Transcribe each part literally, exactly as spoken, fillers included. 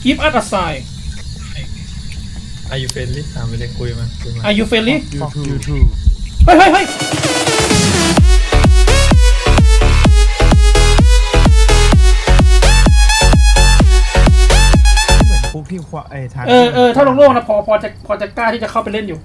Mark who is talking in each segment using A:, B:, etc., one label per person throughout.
A: give us a sign
B: Are you friendly ถามไปเลยคุยมาคุยมา
A: Are you friendly
C: ยูทู
A: เฮ้ยเฮ้ยเฮ้ย
C: เหมือนพวกที่ควาไอ้ทาง
A: เออเออถ้าโล่งๆนะพอพอจะพอจะกล้าที่จะเข้าไปเล่นอยู่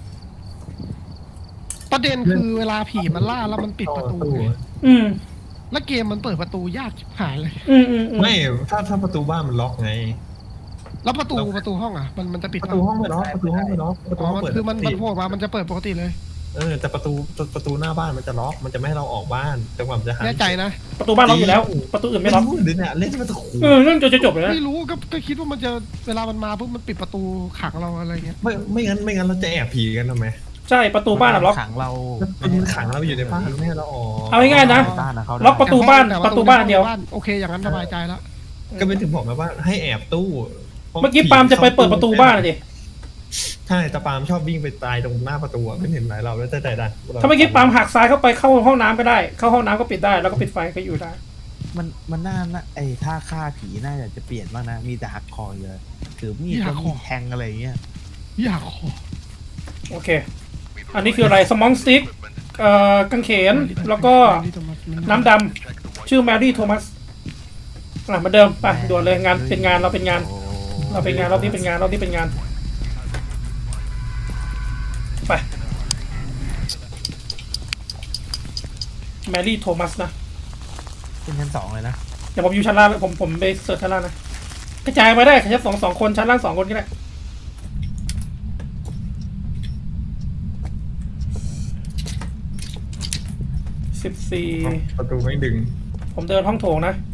D: ประเด็นคือเวลาผีมันล่าแล้วมันปิดประตูไง
A: อืม
D: แล้วเกมมันเปิดประตูยากชิบหายเลย
A: อืมอืมอืม
B: ไม่ถ้าถ้าประตูบ้านมันล็อกไง
D: แล้วประตูประตูห้องอ่ะมันมันจะปิด
B: ประตูห้องไม่ล็อกประตูห้องไม่ล็อกประตู
D: อ๋อ
B: ห้อง
D: มัน
B: เปิด
D: คือมัน
B: ปก
D: มัน
B: ติ
D: โผล่มามันจะเปิดปกติเลย
B: เออแต่ประตูประตูหน้าบ้านมันจะล็อกมันจะไม่ให้เราออกบ้านแต่ความจะหา
D: แน่ใจนะ
A: ประตูบ้านล็อกอยู่แล้ว ประตูอื่น
B: ไม่
A: ไม่ล็อก
B: รู้เลยเนี่ยเล่นประตู
A: เออเรื่องจะจบเลยนะ
D: ไม่รู้ก็ก็คิดว่ามันจะเวลามันมาปุ๊บมันปิดประตูขังเราอะไรเงี้ย
B: ไม่ไม่งั้นไม่งั้นเราจะแอบผีกันทำไม
A: ใช่ประตูบ้านอะล็อก
C: ขังเรา
B: มันขังเราอยู่ในบ้านไม่ให้เราออก
A: เอาง่ายๆนะ
C: บ้านนะเขา
A: ล็อกประตูบ้าน
D: แต่
A: ประตูบ้านเดียว
D: โอเคอย่างนั้นสบายใจแล้ว
B: ก็เป็นถึงบอกนะว่าให้แอบตู้
A: เมื่อกี้ปาล์มจะไปเปิดประตูบ้านอะดิ
B: ใช่แต่ปาล์มชอบวิ่งไปตายตรงหน้าประตูไม่เห็นหลายเราแล้วแต่แต่ดัน
A: ถ้าเมื่อกี้ปาล์มหักซ้ายเข้าไปเข้าห้องน้ำก็ได้ เข้าห้องน้ำก็ปิดได้แล้วก็ปิดไฟก็อยู่ได้
C: มันมันน่านะไอ้ท่าฆ่าผีน่าจะเปลี่ยนบ้างนะมีแต่หักคอเยอะถือมีดแล้วมีแทงอะไรอย่างเงี้ย
D: อยากขอ
A: โอเค อันนี้คืออะไรสมองสติ๊กเอ่อกางเขนแล้วก็น้ำดำชื่อแมรี่โทมัสอ่ะเหมือนเดิมไปด่วนเลยงานเป็นงานเราเป็นงาน
C: โอ้
A: เราเป็นงานรอบนี้เป็นงานรอบนี้เป็นงานไปแมรี่โทมัสนะ
C: เป็นชั้นสองเลยนะ
A: เดี๋ยวผมอยู่ชั้นล่างผมผมไปเสิร์ชชั้นล่างนะกระจายมาได้ชั้นสองสองคนชั้นล่างสองคนก็ได้สิบสี่
B: ประตูไม่ดึง
A: ผมเดินห้องโถงนะ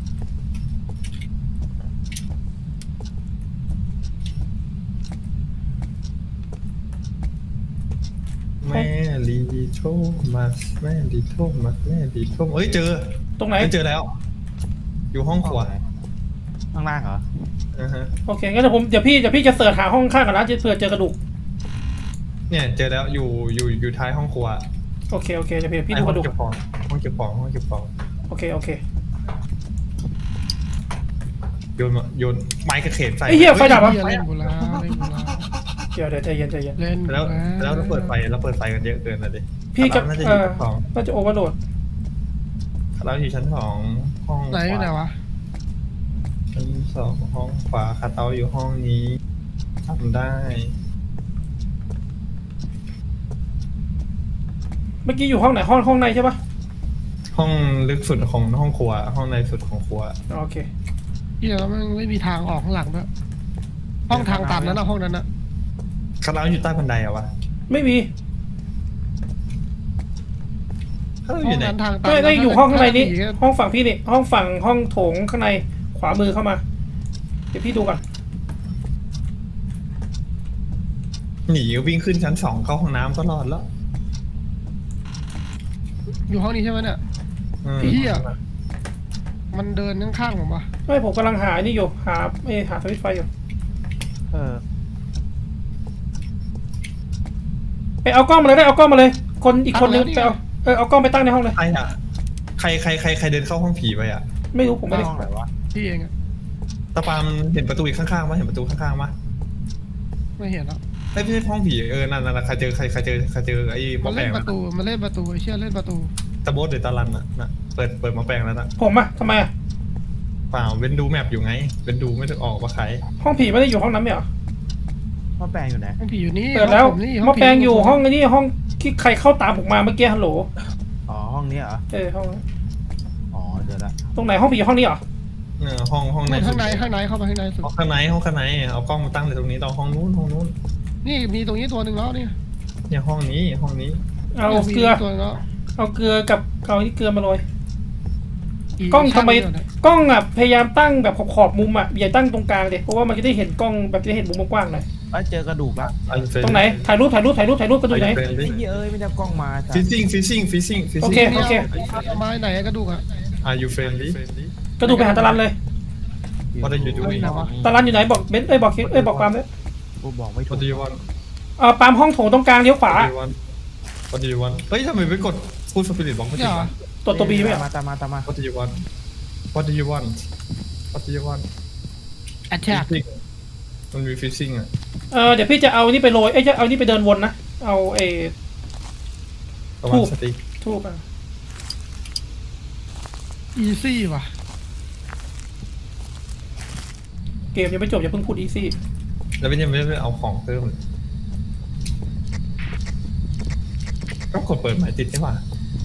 B: แม่ลีโทมัสแม่ลีโทมัสแม่ลีโทมัสเอ้ยเจอ
A: ตรงไหน
B: เจอแล้ว อยู่ห้องขวา
C: ข้างล่างเหรอ
B: อ่าฮะ
A: โอเคงั้นเดี๋ยวผมเดี๋ยวพี่เดี๋ยวพี่จะเสิร์ชหาห้องข้างกันนะจะเผื่อเจอกระดูก
B: เนี่ยเจอแล้วอยู่อยู่อยู่ท้ายห้องครัว
A: โอเคโอเคเดี๋ยวพี่พี่
B: ไอ้
A: ดู
B: ห้
A: ก
B: อง
A: ระดูก
B: เก็บของห้องเก็บของห้องเก็บของ
A: โอเคโอเค
B: โยนมาโยนไม้กระเขนใส่
A: ไอ้เหี้ยไฟดับวะ
D: เหี้ยเล่นกูแล้วเล่นกูแล้ว
A: เดี๋ยวเดี๋ยวใจเย็นใจเย็น
D: เล่นกู
B: แล้ว
D: แล้
B: แล้ว วเราเปิดไฟเราเปิดไฟกันเยอะเกินนะดิ
A: พี่จะ
B: น่าจะอ
A: เอยู่ อ
B: ชั้นสอง
A: น่าจะโอเวอร์โหลด
B: เราอยู่ชั้นสองห้อง
D: ไหนอยู่ไหนวะ
B: ชั้นสองห้องขวาคาเตาอยู่ห้องนี้ทำได้
A: เมื่อกี้อยู่ห้องไหนห้องห้องในใช่ปะ
B: ห้องลึกสุดของห้องครัว ห้องในสุดของครัว
A: โอเค
D: เหี้ยแล้วมันไม่มีทางออกข้างหลังด้วยห้องทางตันนั้นนะห้องนั้นนะ
B: คาเตาอยู่ใต้บันไดอะวะ
A: ไม่มี
B: เขาอ
D: ห้อยู่ ง
B: ไหน
D: นั้นทางตัน
A: ไม่ได้อยู่ห้องข้างในนี้
D: ผีก็
A: ห้องฝั่งพี่นี่ห้องฝั่งห้องโถงข้างในขวามือเข้ามาเดี๋ยวพี่ดูก่อน
B: หนีวิ่งขึ้นชั้นสองเข้าห้องน้ำก็รอดแล้ว
D: อยู่ห้องนี้ใช่ไหมเนี่ย
B: อืม
D: เหี้ย มันเดินข้างๆผมปะ
A: ไม่ผมกำลังหานี่อยู่หาเอหาสวิตช์ไฟอยู่
C: เออ
A: ไปเอากล้องมาเลยได้เอากล้องมาเลย คนอีกคนนึงไปเอาเออเอากล้องไปตั้งในห้องเลย
B: ใครอะใครใครใครใครเดินเข้าห้องผีไปอะ
A: ไม่รู้ผมไม่ได้
C: ห้องไหนวะ
D: ที่เองอะ
B: ตาปามเห็นประตูอีกข้างๆมั้ยเห็นประตูข้างๆมั้ย
D: ไม่เห็นแล้ว
B: ไม่ใช่ห้องผีเออนั่นนั่นใครเจอใครใครเจอใครเจอไอ้หม
D: มั
B: อน แปล
D: เล่น
B: ง
D: ประตูมันเล่นประตูไอ้เชี่ยเล่นประตู
B: ตะโบสหรือตาลันอะน่ะเปิดเปิดหมอแปลงแล้วนะ
A: ผมอะทำไมอะ
B: เปล่าเว้นดูแมปอยู่ไงเว้นดูไม่ได้ออกว่าใคร
A: ห้องผีไม่ได้อยู่ห้องนั้นไหมเหรอ
C: พ่อแปลงอยู่ไหน
D: ห้องผีอยู่นี่
A: เปิดแล้ว
D: ห้องผมนี่
A: หม้อแปลงอยู่ห้องไอ้นี่ห้องที่ใครเข้าตามผมมาเมื่อกี้ฮัลโหล
C: อ๋อห้องนี้เหรอ
A: เออห้อง
C: อ๋อเจอละ
A: ตรงไหนห้องผีห้องนี้เหรอ
B: เออห้องห้องใน
D: นู่น
B: สุ
D: ข้า
B: ด
D: งในข้างในเข้าไปข้างในสุด
B: ห้องข้างในห้องข้างในเอากล้องมาตั้งเลยตรงนี้ตอนห้องนู้นห้องนู้น
D: นี่มีตรงนี้ตัวหนึ่งแล้วนี่
B: เนี่ยห้องนี้ห้องนี้
A: เอาเกลือ
D: ตัวหนึ่งแล้ว
A: เอาเกลือกับเอาที่เกลือมาโรย
D: อี
A: กล้องทำไม
D: ข้างเดียวเนี่ย
A: กล้องอ่ะพยายามตั้งแบบขอบๆมุมอ่ะอย่าตั้งตรงกลางเด็เพราะว่ามันจะได้เห็นกล้องแบบจะได้เห็นมุมกว้างๆหน่อย
C: เอ้ยเจอกระดูกละ
A: ตรงไหนถ่ายรูปถ่ายรูปถ่ายรูปถ่ายรูปกระดูกไหน
C: ไอ้เหี้ยเอ้ยไม่ได้เอากล้องมาจ้ะ
B: ฟิซซิ่งฟิซซิ่งฟิซซิ่งฟิซ
A: โอ
B: ซิ่ง
A: เคโอเค
D: เอาไม้ไหนกระดูกอะ
B: Are you friendly
A: กระดูกไปหาตาลันเลย
B: What are you doing
D: ไหนวะ
A: ตาลันอยู่ไหนบอกเบนซ์เอ้ยบอกคิดเอ้ยบอกปาล์มเลย
C: กูบอกไม่ถู
B: What
C: ก
B: do you want
A: เออปาล์มห้องโถงตรงกลางเลี้ยวขวา
B: What do you want What do you want เฮ้ยทำไมไม่กดพูดสปิริตบอกไม่
D: เนี่
B: ติ
D: ย
B: ด
D: เหรอ
B: วะ
A: ตัวตัวบีไหมเหรอ
C: มาตามมาตามมา
B: What do you want What do you want What do you want
D: แอทแทก
B: มันมีฟิชชิ่งอ่ะ
A: เออเดี๋ยวพี่จะเอานี่ไปโรยเอ้ยจะเอานี่ไปเดินวนนะเอาไอ้
B: ประมาณสติ
A: ทูบอ่ะ
D: อีซี่ว่ะ
A: เกมยังไม่จบอย่าเพิ่งพูดอีซี่
B: แล้วเป็นยังไม่ได้เอาของเพิ่มเลยก็กดเปิดหมายติดใช่ป่ะ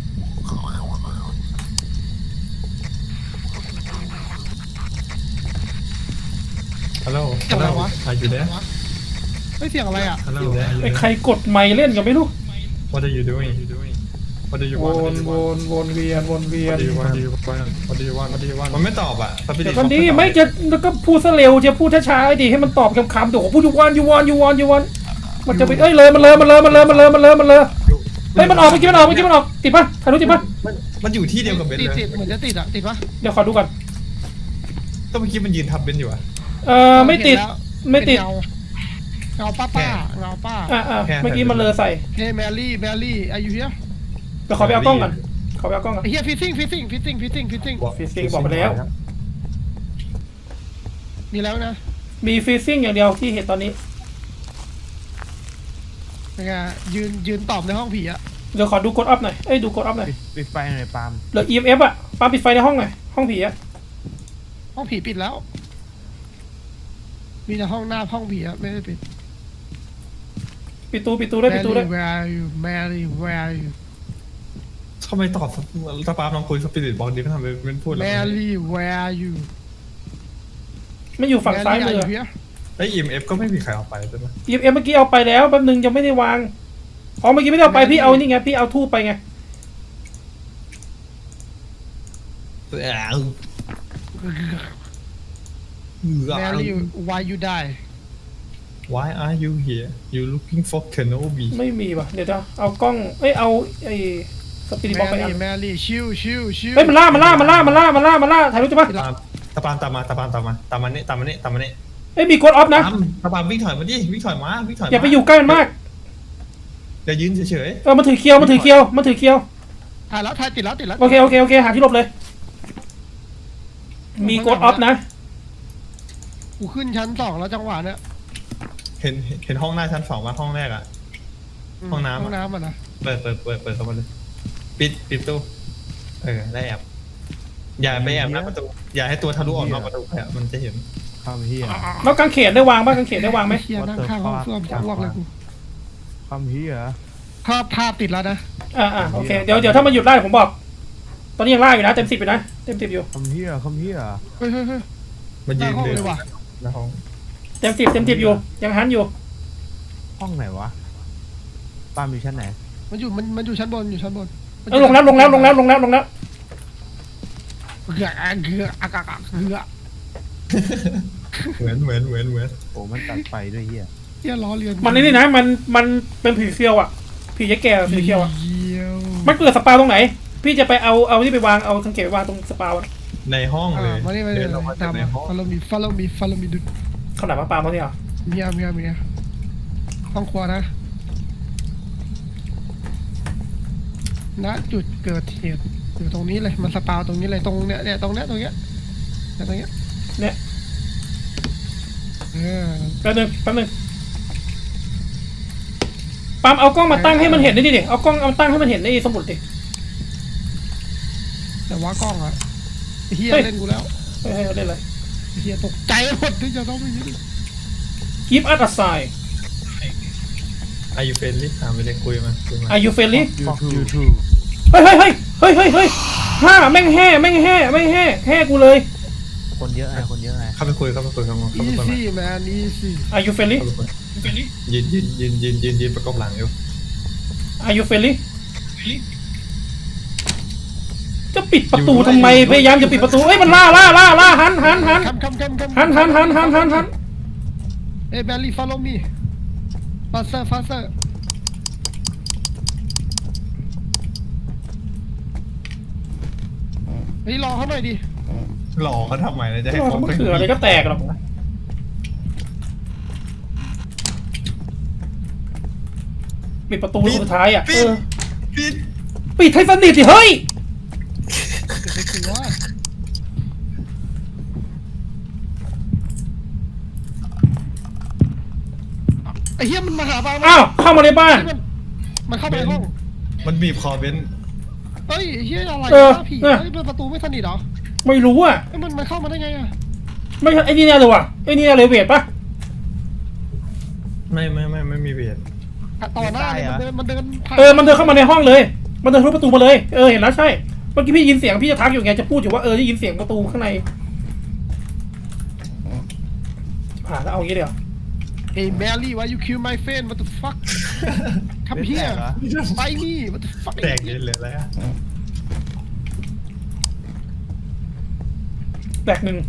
B: ฮัลโหลฮัลโหลอายุเด้
D: เฮ้ยเสียงอะไรอ่ะ
B: ฮัลโหล
A: ไอ้ใครกดไมค์เล่นกันไม่รู้
B: What are you doing What do you
A: ว
B: want
A: นวนวนเวียนวนเวียน
B: What do you want What do you want What do you want มันไม่ตอบอ่ะสปิริ
A: เดี๋
B: ต
A: ยวก่อนดีไม่จะแล้วก็พูดซะเร็วจะพูดช้าๆดิให้มันตอบคำๆเดี๋ยวผมพูดยูวอนยูวอนยูวอนยูวอนมันจะไปเอ้ยเลยมันเลยมันเลยมันเลยมันเลยมันเลยมันเลยเฮ้ยมันออกเมื่อกี้มันออกเมื่อกี้มันออกติดปะถ่ายรูปติดปะ
B: มันมันอยู่ที่เดียวกับเบน
D: ติด
B: เลย
D: ติดเหมือนจะติดอ่ะติดปะ
A: เดี๋ยวขอดูก่อน
B: ก็เมื่อกี้มันยืนทับเบนอยู่อ่ะ
A: เออไม่ติดไม่ติด
D: เงาเงาป้าป้าเงาป้า
A: อ่าอ่าเมื่อกี้มันเลยใส่
D: เฮ้ยแมรี่แมรี่อายุเฮีย
A: เดี๋ยวขอไปเอากล้องก่อนขอไปเอากล้องก่อน
D: เฮียฟิซซิ่งฟิซซิ่งฟิซซิ่งฟิซซิ่งฟิซซิ่ง
A: ฟิซซิ่งบอกไปแล้ว
D: มีแล้วนะ
A: มีฟิซซิ่งอย่างเดียวที่เห็นตอนนี้
D: ยังไงยืนยืนตอบในห้องผีอ่ะ
A: เดี๋ยวขอดูกดอัพหน่อยเอ้ยดูกดอัพหน่อย
C: ปิดปิดไฟหน่อยปาล์ม
A: เหลือ อี เอ็ม เอฟ อ่ะปาปิดไฟในห้องหน่อยห้องผีอ่ะ
D: ห้องผีปิดแล้ว มีแต่ห้องหน้าห้องผีอ่ะไม่ได้ปิด
A: ปิดตูปิดตูด้วยปิดตูด้วย
D: Mary where are you Mary where are you
B: ทำไมตอบสปาร์ลองคุยสปิริตบอกดีไม่ทำเป็นพูดแล้ว
D: Mary where are you
A: ไม่อยู่ฝั่งซ้ายมือ
D: Mary are you here
B: ไอ้ อี เอ็ม เอฟ ก็ไม่มีใครเอาไปใช่ไหม
A: อี เอ็ม เอฟ เมื่อกี้เอาไปแล้วแป๊บนึงยังไม่ได้วางอ๋อเมื่อกี้ไม่ได้เอาไปพี่เอานี่ไงพี่เอาทูบไปไง
D: Mary why you die
B: Why are you here You looking for Kenobi
A: ไม่มีว่ะเดี๋ยวจะเอากล้องเอ้ยเอาไอ้สปิริตบ็อกไปอั
D: Mary
A: น
D: Mary ชิวชิวชิว
A: เฮ้ยมันล่ามันล่ามันล่ามันล่ามันล่ามันล่าถ่ายรูปใช่ปะ
B: ตามตะปามตามมาตะปามตามมาตามมานี่ตามมานี่ตามมานี่
A: เอ้ยมีกดออฟนะ
B: ตามตะปามวิ่งถอยมาดิวิ่งถอยมาวิ่งถอยมา
A: อย่าไปอยู่ใกล้มันมาก
B: อย่ายืนเฉย
A: เออมันถือเคียวมันถือเคียวมันถือเคียว
D: ถ่ายแล้วถ่ายติดแล้วติดแล้ว
A: โอเคโอเคโอเคหาที่หลบเลย มีกดออฟนะ
D: กูขึ้นชั้นสองแล้วจังหวะเนี้ย
B: ๆเห็นเห็นห้องหน้าชั้นสองว่าห้องแรกอ่ะ ห้องน้ำอะ
D: ห้องน้ำอ่ะนะ
B: เปิดเปิดเปิดเปิดเข้ามาเลยปิดปิดตู้เออได้แอบอย่าไปแอบหน้าประตูอย่าให้ตัวทะลุออกนอกประตูไปอะมันจะเห็น
C: เข้าเฮีย
A: แล้วกางเขนได้วางบ้างกางเขนได้วางไหม
D: เฮียนั่งข้างห้องส้วมจังหวะเลยกู
C: เข้าเฮีย
D: ภาพภาพติดแล้วนะ
A: อ่าอ่าโอเคเดี๋ยวเดี๋ยวถ้ามันหยุดไล่ผมบอก ตอนนี้ยังไล่อยู่นะเต็มสิบอยู่นะเต็มสิบอยู่
C: เข้าเฮียเข้าเฮีย
D: เฮ้ยเฮ้ยเฮ้ย
B: มันยืน
D: หน้าห้อง
B: เดิน
D: เลยว่ะ
B: หน้าห้อง
A: เต็มสิบเต็มสิบอยู่ยังหันอยู่
C: ห้องไหนวะปาล์มอยู่ชั้นไหน
D: มันอยู่มันมันอยู่ชั้นบนอยู่ชั้นบนมัน
A: เออลงแล้วลงแล้วลงแล้วลงแล้วลงแล้ว
D: เกือเกืออากาศเกือ
B: เหมือนเหมือนเหมือนเหมือน
C: โอ้มันตัดไฟด้วยเฮีย
D: เฮียล้อเลียน
A: มันนี่นะมันมันเป็นผีเซียวอ่ะผียักษ์แก่ผีเซียวอ่ะ
D: เยี่ยว
A: มันเกิดสปาตรงไหน พี่จะไปเอาเอาที่ไปวางเอากางเขนไปวางตรงสปาอะ
B: ในห้องเลย
D: อ่ามานี่มานี่
B: เดินออกมาจา
D: ตาก ม
B: ใน
D: มา
B: ห้อง
D: follow me follow me follow me ดู
A: เขาไหนมาปามาเนี่ยเหรอ
D: เมียเมียเมียห้องครัวนะณจุดเกิดเหตุอยู่ตรงนี้เลยมันสปาวตรงนี้เลยตรงเนี้ยเนี่ยตรงเนี้ยตรงเนี้ยเนี่ยตรงเนี้ย
A: เนี่ย
D: เออ
A: แป๊บนึงแป๊บนึงปามเอากล้องมาตั้งให้มันเห็นได้ดิดิเอากล้องเอาตั้งให้มันเห็นในสมุดดิ
D: แต่ว่ากล้องอะไอ้เฮีย
A: เฮ้ย
D: เล่นกูแล้ว
A: เฮ้ยเฮ้ยเล่นเลย
D: ไอ้เฮียตกใจหมดที่จะต้องไปยืน
A: Give us a sign
B: อายุเฟนลี่ถามไปเลยคุยมาคุยมา
A: Are you friendly
C: ยูทูยูทู
A: เฮ้ยเฮ้ยเฮ้ยเฮ้ยเฮ้ยเฮ้ยห้าแม่งแห่แม่งแห่แม่งแห่แห่กูเลย
C: คนเยอะไงคนเยอะไง
B: เข้าไปคุยเข้าไปคุยเข้าไปคุย
D: อี
B: เข้าไปคุย
D: ซี่แมนอีซี่
A: Are you friendly
B: เข้าไปคุยยืนยืนยืนยืนยืนยืนประกบหลังอยู่
A: Are you friendly จะปิดประตูทำไมพยายามจะปิดประตูเอ้ยมันล่าล่าล่าล่าหันหันหัน
D: คำคำคำคำ
A: หันหันหันหันหันหัน
D: เอ้ยแบลลี่ follow me faster faster เฮ้ยรอเขาหน่อยดิ
B: หลอกเขาทำไมนะจะให้
A: โอ้
B: เขา
A: มะเขืออะไรก็แตกหรอกปิดประตูลูกสุดท้ายอ่ะเอ
B: ปิด
A: อ
B: ปิด
A: ปิดให้สนิทสิเฮ้ย
D: เดี๋ยวไปกลัวอ้เหี้ยมันมาหาบ้าง
A: อ้าวเข้ามาในบ้าน
D: มันมันเข้าไปในห้อง
B: มันบีบคอเบน
D: เฮ้ยไอ้เหี้ยอะไร
A: เออ
D: วะผี
A: เออ
D: เฮ้ยมันประตูไม่สนิทเหรอ
A: ไม่รู้อ่ะ
D: เอ้ยมันมันเข้ามาได้ไงอะ
A: ไม่ใช่ไอ้นี่แน่เลยว่ะไอ้นี่เลเวทปะ
B: ไม่ไม่ไม่ไม่มีเบียด
D: อะต่อหน้าเลยมันเดินมันเดินผ่าน
A: เออมันเดินเข้ามาในห้องเลย มันเดินทะลุประตูมาเลยเออเห็นแล้วใช่เมื่อกี้พี่ยินเสียงพี่จะทักอยู่ไงจะพูดอยู่ว่าเออได้ยินเสียงประตูข้างในผ่านแล้วเอางี้เดี๋ยว
D: เฮ้ยแมรี่ why you kill my friend what the fuck คำเหี้ยไปนี่ what the fuck
B: แตกเยอะเลยแล้ว
A: แบกหนึ่ง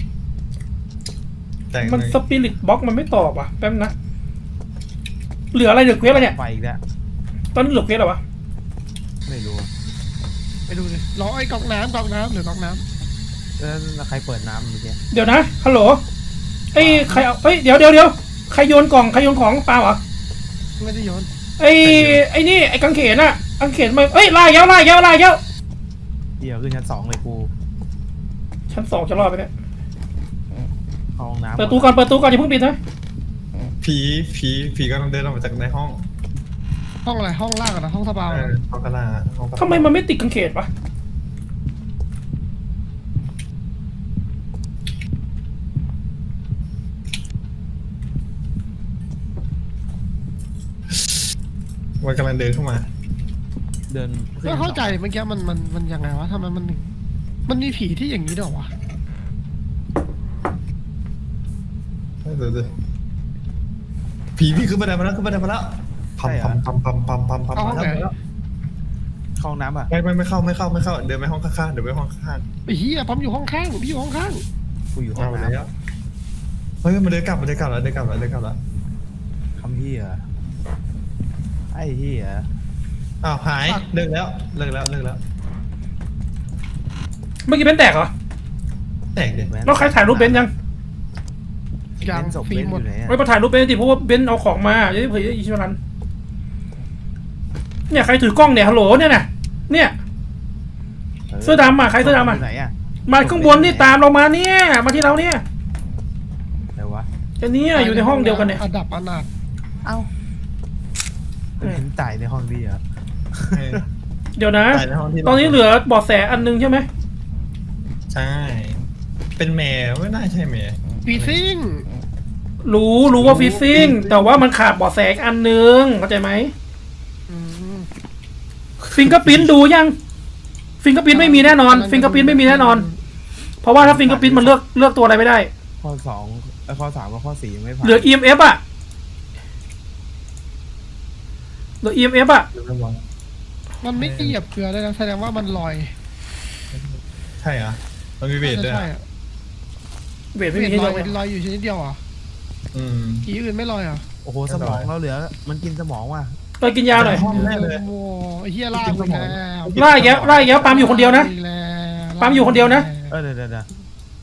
B: แตก
A: มัน
B: เลย
A: สปิริตบ็อกมันไม่ตอบอ่ะแป๊บนะเหลืออะไรเหลือเควสอะไรเนี่ย
C: ไปอีกแล้ว
A: ตอนนี้เหลือเควสอะไรวะ
C: ไม่รู้
D: ไปดูเลยรอไอ้กล่องน้ำกล่องน้ำหรือกล่องน้
C: แล้วใครเปิดน้ำเมื่อกี้
A: เดี๋ยวนะฮัลโหลไอ้ใครเอาเอ้ยเดี๋ยวเดี๋ยวเดี๋ยวใครโยนกล่องใครโยนของเปล่าเหรอ
D: ำไม่ได้โยน
A: ไอ้ไอ้นี่ไอ้กางเขนอะกางเขนมาเอ้ยไล่แล้วไล่แล้วไล่แล้ว
C: เดี๋ยวขึ้นชั้นสองเลยกู
A: ชั้นสองจะรอดไปเนี่ย
C: เข้าห้องน้ำ
A: เปิดตู้ก่อนเปิดตู้ก่อนอย่าเพิ่งปิดนะ
B: ผีผีผีกำลังเดินออกมาจากในห้อง
D: ห้องอะไรห้องล่างอะนะห้องสปา
B: เอ
D: อะ
B: อห้องกระลาห้องกระลา
A: ทำไมมันไม่ติดกางเขนวะ
B: มันกำลังเดินเข้ามา
C: เดินขึ้น
D: ไม่
C: ชั้นสอง
D: เข้าใจเมื่อกี้มันมันมันยังไงวะทำไมมันถึงมันมีผีที่อย่างนี้ด้วยวะ
B: เดี๋ยวเดี๋ยวผีพี่ขึ้นบันไดมาแล้วขึ้นบันไดมาแล้วพัมพัมพัมพัมพัมพัมพัมมาแล้ว
C: เข้าห้องน้ำอ่ะ
B: ไม่ไม่ไม่เข้าไม่เข้าไม่เข้าเดินไปห้องข้างๆเดินไปห้องข้าง
D: ไอ้เหี้ยปั๊มอยู่ห้องข้างพี่อยู่ห้องข้าง
C: กูอยู่
B: ๆ
C: ห้อ
B: เอา
C: ง
B: ไป
C: น้
B: แล้วเฮ้ยมันเดินกลับมันเดินกลับแล้วเดินกลับแล้วเดินกลับแล้ว
C: ำคำที่อ่ะไอ้ที่อ่ะ
B: อ้าวหายเลิกแล้วเลิกแล้วเลิกแล้ว
A: เมื่อกี้เป็นแตกเหรอ
B: แตกเด็ด
A: แล้วใครถ่ายรูปเบนซ์ยัง
D: ยัง
C: ศพ
D: ฟิ
C: เบ
D: ล์ม
C: น
D: หม
C: อ
D: ด
C: ยู่ไหนอ่ะ
A: ไม่มาถ่ายรูปเบนซ์ดิเพราะว่าเบนซ์เอาของมาจะได้เผยอิชวรันเนี่ยใครถือกล้องเนี่ยฮัลโหลเนี่ยนะเนี่ย เสื้อดำอ่ะใครเสื้อดำอ่ะ
C: ยู่ไหนอ่ะ
A: มาข้างบนนี่ตามเรามาเนี่ยมาที่เราเนี่ย
C: ไหนวะ
A: อันนี้อยู่ในห้องเดียวกันเนี่ย
D: อันดับอนาถ
C: เอ้าเห็นจ่ายในห้องพี่อ่ะ
A: เดี๋ยวนะ
B: ตายในห้องที่
A: ตอนนี้เหลือเบอดแสอันนึงใช่ไหม
B: ใช่เป็นแมวไม่น่าใช่แมว
D: ปีซิ่ง
A: รู้รู้ว่าฟิซซิ่งแต่ว่ามันขาดเบอดแสอีกอันนึงเข้าใจไหม
D: อืม
A: ฟิงเกอร์พิ้นดูยังฟิงเกอร์พิ้นไม่มีแน่นอนฟิงเกอร์พิ้นไม่มีแน่นอน เพราะว่าถ้าฟิงเกอร์พิ้นมันเลือกเลือกตัวอะไรไม่ได้
C: ข้อสองเอ้ยข้อสามกับข้อสี่ยังไม่ผ่าน
A: เหลือ อี เอ็ม เอฟ อ่ะเหลือ อี เอ็ม เอฟ อ่ะ
D: มันไม่เหยียบเกลือเลยนะแสดงว่ามันลอย
B: ใช่เหรอมันมีเวทด้วย
D: ใช่อะ
A: เวท
D: เว
A: ไม่มี
D: ท
A: ให้
D: ล
A: เลื
D: อ
A: อย กเลย
D: ลอยอยู่ชนิดเดียวเหรอ่ะ
B: อืม
D: ผีอื่นไม่ลอยเหรอ่ะ
C: โอ้โหสมองเราเหลือ มันกินสมองว่ะ
A: ไปกินยาหน่อย
B: ห้องแน่เลย
D: โอ้ไอ้เหี้ยล่าไปแล้ว
A: ไล่แย้วไล่แย้วปาล์มอยู่คนเดียวนะ
D: ไปแล้ว
A: ปาล์มอยู่คนเดียวนะ
C: เออเดี๋ยวเดี๋ยวเดี๋ยว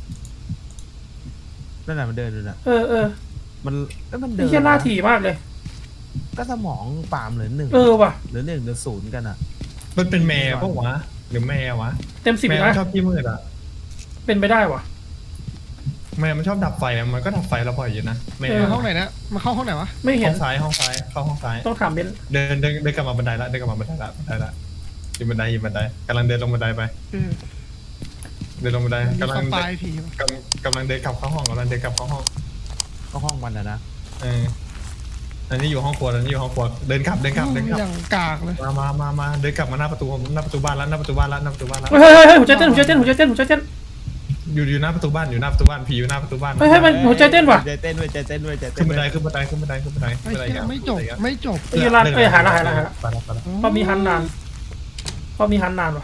C: นั่นน่ะมันเดินอยู่น่ะ
A: เออเออ
C: มันเอ้ยมันเดิ
A: ไอ้
C: น
A: เหี้ยล่าถี่มากเลย
C: ก็สมองปาล์มเหลือหนึ่ง
A: เออว่ะ
C: เหลือหนึ่งเหลือศูนย์กันอ่ะ
B: มันเป็นแมวปะวะหรือแมววะ
A: เต็มสิบ
B: แมว
A: นะ
B: ชอบขี้มืดอ่ะ
A: เป็นไปได้ว่ะ
B: แมวมันชอบดับไฟอะมันก็ดับไฟเราบ่อยอยู่นะแมว
A: เออ
D: มาห้องไหนนะมาเข้าห้องไหนวะ
A: ไม่เห็
B: ห้
A: น
B: องซ้ายห้องซ้ายเข้าห้องซ้าย
A: ต้องถามเบนซ์
B: เดินเดินเดินกลับมาบันไดละเดินกลับมาบันไดละบันไดละอยู่บันไดอยู่บันไดกำลังเดินลงบันไดไป
D: เออ
B: เดินลงบันได
D: มี
B: กำลั
D: ส
B: ง
D: ปายผีวะ
B: กำกำลังเดินกลับเข้าห้องกำลังเดินกลับเข้าห้อง
C: ก็ห้องมันอ่ะนะ
B: เอออันนี้อยู่ห้องครัวอันนี้อยู่ห้องครัวเดินกลับเดินกลับเดินกลับ
D: อย่างกากเลย
B: มามามามาเดินกลับมาหน้าประตูหน้าประตูบ้านแล้วหน้าประตูบ้านแล้วหน้าประตูบ้านแล้ว
A: เฮ้ยเฮ้ยเฮ้ยหัวใจเต้นหัวใจเต้นหัวใจเต้นหัวใจเต้น
B: อยู่อยู่หน้าประตูบ้านอยู่หน้าประตูบ้านผีอยู่หน้าประตูบ้าน
A: เฮ้ยเฮ้ยมันหัวใจเต้นว่ะ
C: ใจเต้นด้วยใจเต้นด้วยใจเต้
B: ขึ้
C: น
B: นบันได
C: ด้วย
B: ขึ้นบันไดขึ้นบันไดขึ้นบันไดขึ้นบันได
D: ไอ้
B: ขึ้นบันได
D: เหี้ยไม่จบไม่จบ
A: ไอ้เหี้ยร้านเอ้ยหาละหาละหาละ
B: ไปแล้วไปแล้ว
A: พอมีฮันนานพอมีฮันนานว่ะ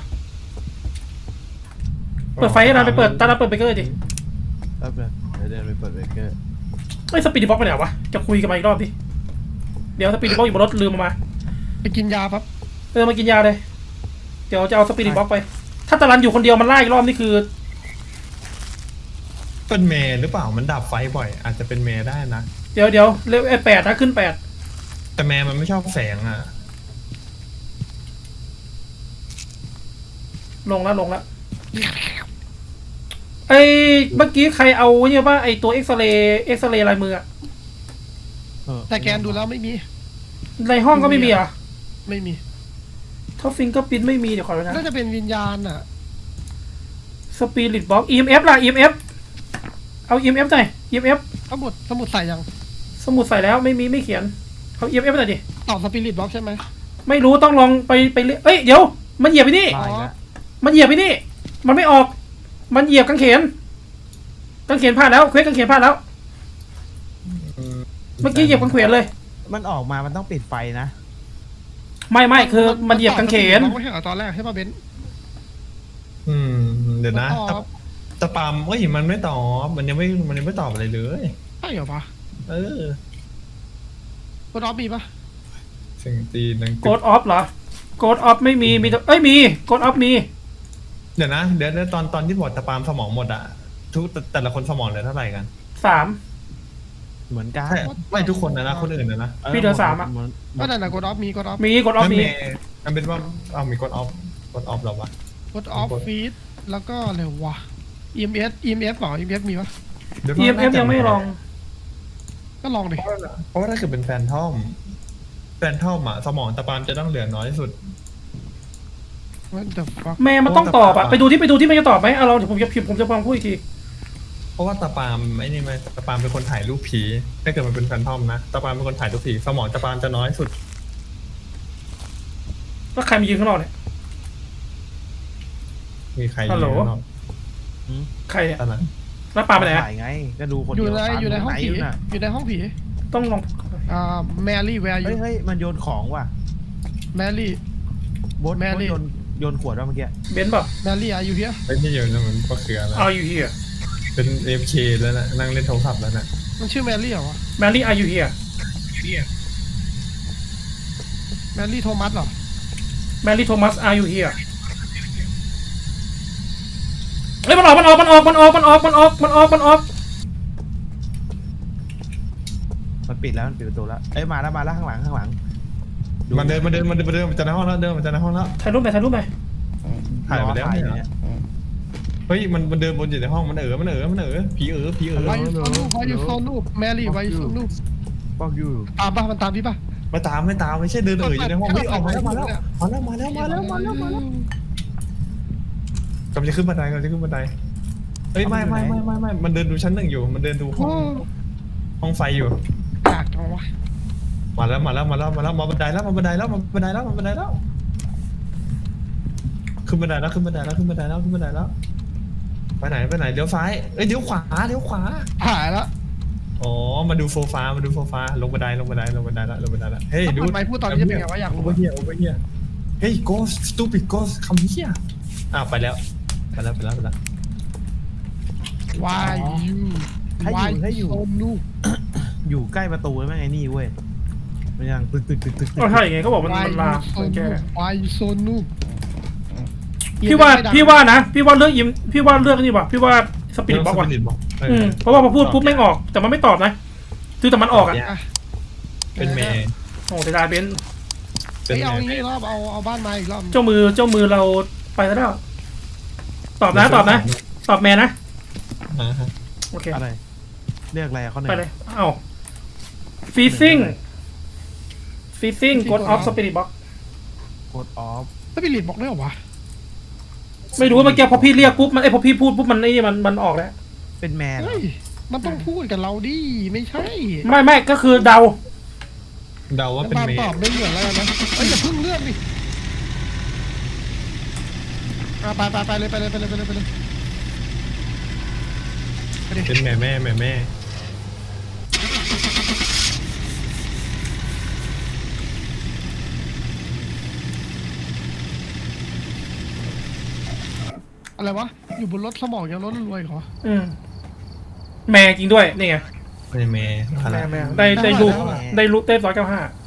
A: เปิดไฟให้นานไปเปิดตาลาเปิดเบเกอร์ดิ
C: แป๊บนึงเดี๋ยวเดินไปเปิดเบเกอร์
A: เฮ้ยสปีดบ็อกไปไหนวะจะคุยกันมาอีกรอบดิเดี๋ยวสปีดบ็อกอยู่บนรถลืมมามา
D: ไปกินยาปั๊บ
A: เออมากินยาเลยเดี๋ยวจะเอาสปีดบ็อกไป ถ้าตาลันอยู่คนเดียวมันไล่อีกรอบนี่คือ
B: เป็นเมย์หรือเปล่ามันดับไฟบ่อย อาจจะเป็นเมย์ได้นะ
A: เดี๋ยวเดี๋ยวเลเวลแปดนะขึ้นแปด
B: แต่เมย์มันไม่ชอบแสงอ่ะ
A: ลงแล้วลงแล้วไอ้เมื่อกี้ใครเอาเนี่ยว่าไอ้ตัวเอ็กซเรย์เอ็กซเรย์ลายมืออะ
C: เออ
D: แต่แกนดูแล้วไม่มี
A: ในห้องก็ไม่มีเหรอ่ะ
D: ไม่มี
A: ถ้าฟิงก็ปินไม่มีเดี๋ยวขอดูนะ
D: น่าจะเป็นวิญญาณอ่ะ
A: สปิริตบ็อก อี เอ็ม เอฟ ล่ะ อี เอ็ม เอฟ เอา อี เอ็ม เอฟ หน่อย อี เอ็ม เอฟ
D: สมุดสมุดใส่ยัง
A: สมุดใส่แล้วไม่มีไม่เขียนเอา อี เอ็ม เอฟ หน่อยดิ
D: ตอบสปิริตบ็อกใช่ไหม
A: ไม่รู้ต้องลองไปไปเรื่อยเอ้ยเดี๋ยวมันเหยียบไปนี่
C: ตายแล้ว
A: มันเหยียบไปนี่ มันไม่ออก มันเหยียบกางเขนกางเขนพลาดแล้วเควสกางเขนพลาดแล้ว เมื่อกี้เหยียบกางเขนเลย
C: มันออกมามันต้องปิดไฟนะ
A: ไม่ไม่คือมันเหยียบกางเขน
D: มันไม่ใช่เหรอตอนแรกใช่ป่ะเบนซ์
B: อืมเดี๋ยวนะ
D: มันตอบ
B: ตะปามเอ้ยมันไม่ตอบมันยังไม่มันยังไม่ตอบอะไรเลย
D: ใช่เหรอปะ
B: เออก
D: ดออฟมีปะ
B: เสียงตีนัง
A: โกดออฟเหรอโกดออฟไม่มีมีแต่เอ้ยมีโกดออฟมี
B: เดี๋ยวนะเดี๋ยวเดี๋ยวตอนตอนที่บอกตะปามสมองหมดอะทุกแต่แต่ละคนสมองเหลือเท่าไหร่กัน
A: สาม
C: เหมือนกัน
B: ใช่ไม่ทุกคนนะนะคนอื่นนะนะ
C: ออ
A: พี่เหลือสามอะ
C: เหน
D: ก็นั่นแหละกดออฟมีกดออฟ
A: มีโกดออฟ
B: นั่น
A: มี
B: เมย์มันเป็นว่าเอามีกดออฟกดออฟหรอวะ
D: กดออฟฟีดแล้วก็อะไรวะ อี เอ็ม เอส อี เอ็ม เอส เปล่า อี เอ็ม เอส มีปะ
B: ดี๋ยว
A: อี เอ็ม เอฟ ยังไม่ลอง
D: ก็ลองดิ
B: เพราะว่าถ้าเกิดเป็นแฟนทอมแฟนทอมอะสมองตะปามจะต้องเหลือน้อยที่สุด
D: ว่าเดอะฟัก
A: แม่มันต้องตอบอะไปดูที่ไปดูที่มันจะตอบไหมเอาเราเดี๋ยวผมจะพิมพ์ผมจะลองพูดอีกที
B: เพราะว่าตะปามไอ้นี่ไหมตะปามเป็นคนถ่ายรูปผีถ้าเกิดมันเป็นแฟนทอมนะตะปามเป็นคนถ่ายรูปผีสมองตะปามจะน้อยสุด
A: แล้วใครมายืนข้างนอกเนี่ย
B: มีใคร
A: ฮัลโหล
B: อยู่ข้างนอก
A: ใครเนี่ย
B: ตอนนั้น
A: แล้วปาไปไหนอะ
C: ถ่ายไง ก็ดูคน
D: อยู่
C: เดียว
D: ใน
C: ตาม
D: อยู่ในห้องผี
C: ไหน่ะ
D: อยู่ในห้องผี
A: ต้องลอง
D: อ่าแมรี่แวร์อ
C: เฮ้
D: ยู่
C: ยเฮ้ยมันโยนของว่ะ
D: แมรี่
C: โบด
D: แมรี่
C: โบทโยนโยนขวดว่ะเมื่อกี้
A: เบนซ์ป่ะ
D: แมรี่อายุเฮีย
B: ไอ้ที่อยู่นั่นมันก็คืออะไร
A: Are you here
B: เป็นเอฟเคแล้วนะนั่งเล่นโทรศัพท์แล้วนะ
D: มันชื่อแมรี่เหรอวะ
A: Mary Are you here
D: แมรี่โทมัสเหรอ
A: Mary Thomas Are you here เฮ้ยมันออกมันออกมันออกมันออกมันออกมันออกมันออกมันออก
C: มันปิดแล้วมันปิดประตูแล้วเอ้ยมาแล้วมาแล้วข้างหลังข้างหลัง
B: มันเดินมันเดินมันเดินมันเดินมันจะในห้องแล้วเดินมันจะในห้องแล้ว
A: ถ่ายรูปไหมถ่ายรูปไหม
B: ถ่ายไปแล้ว
C: รอถ่าย
B: เนี่ย
C: เนี่ย
B: เฮ้ยมันมันเดินบนอยู่ในห้องมันเอ๋อมันเอ๋อมันเอ๋อผีเอ๋อผีเอ๋อ
D: วายูโซนูวายูโซนูแมรี่วายูโซนู
C: บอกอยู่
D: ตามป่ะมันตามพี่ป่ะ
B: มาตามไม่ตามไม่ใช่เดินเอ๋ออยู่ในห้องเฮ้ยออกมาแล้วมาแล้วมาแล้วมาแล้วมาแล้วมาแล้วมาแล้วกำลังจะขึ้นบันไดกำลังจะขึ้นบันไดเฮ้ยไม่ไม่ไม่ไม่ไม่มันเดินดูชั้นหนึ่งอยู่มันเดินดูห้องห้องไฟอยู่
D: อยากจังวะ
B: มาแล้วมาแล้วมาแล้วมาแล้วมาบันไดแล้วมาบันไดแล้วมาบันไดแล้วมาบันไดแล้วขึ้นบันไดแล้วขึ้นบันไดแล้วขึ้นบันไดแล้วขึ้นบันไดแล้วไปไหนไปไหนเลี้ยวซ้ายเอ้ยเลี้ยวขวาเลี้ยวขวา
D: หายแล้ว
B: อ๋อมาดูโซฟามาดูโซฟาลงบันไดลงบันไดลงบันไดแล้วลงบันไดแล้วเฮ้ย
D: ถ้า
B: ดู
D: เปิดไมค์พูดตอนนี้จะเป็นไงวะอยาก
B: โอ
D: รู้
B: เวอร์เฮียโอเวอร์เฮียเฮ้ย ghost stupid ghost คำเฮียอ่ะไปแล้วไปแล้วไปแล้วไปแล้ว
D: วายยู
C: ให้อยู่ให้อยู่
D: โซนู
C: อยู่ใกล้ประตูแล้วแม่งไอ้นี่เว้ยมันยังตึกตึกตึกตึกตึก
A: ก็ใช่ไงเขาบอกมัน
D: วาย
A: มัน
D: ยู
A: ลา
D: โซ
A: มันแก
D: นูวายยูโซนู
A: พี่ว่าพี่ว่านะพี่ว่าเลือกยิมพี่ว่าเลือกนี่ว่ะพี่ว่าสปิริตบ็อกว่ะ
B: Spirit Box เออ
A: อืมเพราะว่าพอพูดปุ๊บไม่ออก แต่มันไม่ตอบนะคือแต่มันออกอ่ะ
D: อ่ะ
B: เป็นเมย์
A: โอ้เสียดายเบนซ์
B: เป็น
D: เอ้ย
B: เม
D: เอา
B: ย์
D: งี้รอบเอาเอาบ้านมาอีกรอบ
A: เจ้ามือเจ้ามือเราไปแล้วตอบนะตอบนะ ตอบแม่นะ
B: อ่าฮะ
A: โอเค
C: อะไรเรียกอะไรอะเขาหนึ่ง
A: ไปเลยเอ้าฟีซิ่งฟีซิ่งกดออฟสปิริตบ็อก
C: กดออฟ
D: สปิริตบอกได้เหรอวะ
A: ไม่รู้ว่าเมื่อกี้พอพี่เรียกปุ๊บมันไอยพอพี่พูดปุ๊บมันไอ้นี่มันมันออกแล้ว
C: เป็นแมนเหรอ
D: เฮ้ยมันต้องพูดกับเราดิไม่ใช่
A: ไม่ไม่ก็คือเดา
B: เดาว่าเป็น
D: มา
B: เมย์
D: ตอบไม่เหมือนแล้วกันนะเอ้ยอย่าเพิ่งเลือกดิอ่ะไปไปไปเลยไปเลยไปเลยไปเลยไปเลยไปดิ
B: เป็นแม่แม่แม่แม่
D: อะไรวะอยู่บนรถสมองยังรถรวยเหรอ
A: อืมแม่จริงด้วยนี่ไง
B: เป็นแม่อะไร
A: แม่แม่ได้ได้รูปได้รูปได้ร้อยเก้าห้า